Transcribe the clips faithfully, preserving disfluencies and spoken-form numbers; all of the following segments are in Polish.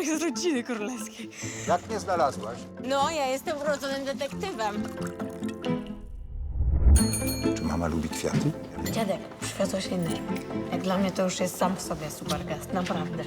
z rodziny królewskiej. Jak mnie znalazłaś? No, ja jestem urodzonym detektywem. Czy mama lubi kwiaty? Dziadek, przywiozłeś inny. Jak dla mnie to już jest sam w sobie super gest, naprawdę.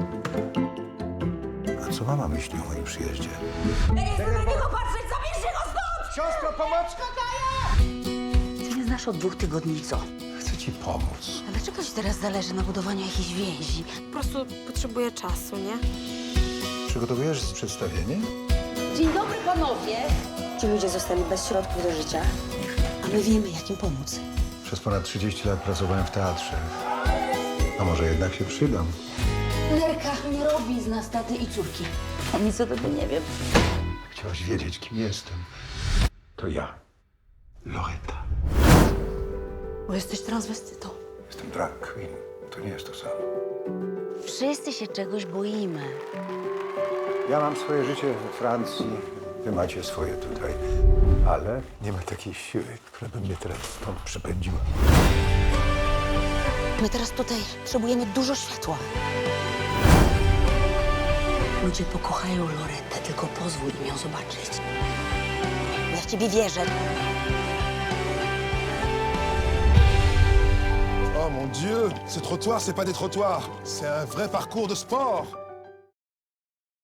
A co mama myśli o moim przyjeździe? Ja nie chcę na niego patrzeć, zabierzcie go stąd! Siostro, pomoc! Ty nie znasz od dwóch tygodni co? Chcę ci pomóc. A dlaczego ci teraz zależy na budowaniu jakiejś więzi? Po prostu potrzebuję czasu, nie? Przygotowujesz przedstawienie? Dzień dobry, panowie! Ci ludzie zostali bez środków do życia, a my wiemy, jak im pomóc. Przez ponad trzydzieści lat pracowałem w teatrze. A może jednak się przydam? Nerka nie robi z nas taty i córki. Ja nic o tobie nie wiem. Chciałaś wiedzieć, kim jestem. To ja. Loreta. Bo jesteś transwestytą. Jestem drag queen. To nie jest to samo. Wszyscy się czegoś boimy. Ja mam swoje życie we Francji, wy macie swoje tutaj. Ale nie ma takiej siły, która by mnie teraz stąd przepędziła. My teraz tutaj potrzebujemy dużo światła. Ludzie pokochają Loretę, tylko pozwól im ją zobaczyć. Ja w ciebie wierzę. Oh mon Dieu, ce trottoir, c'est pas des trottoirs, c'est un vrai parcours de sport.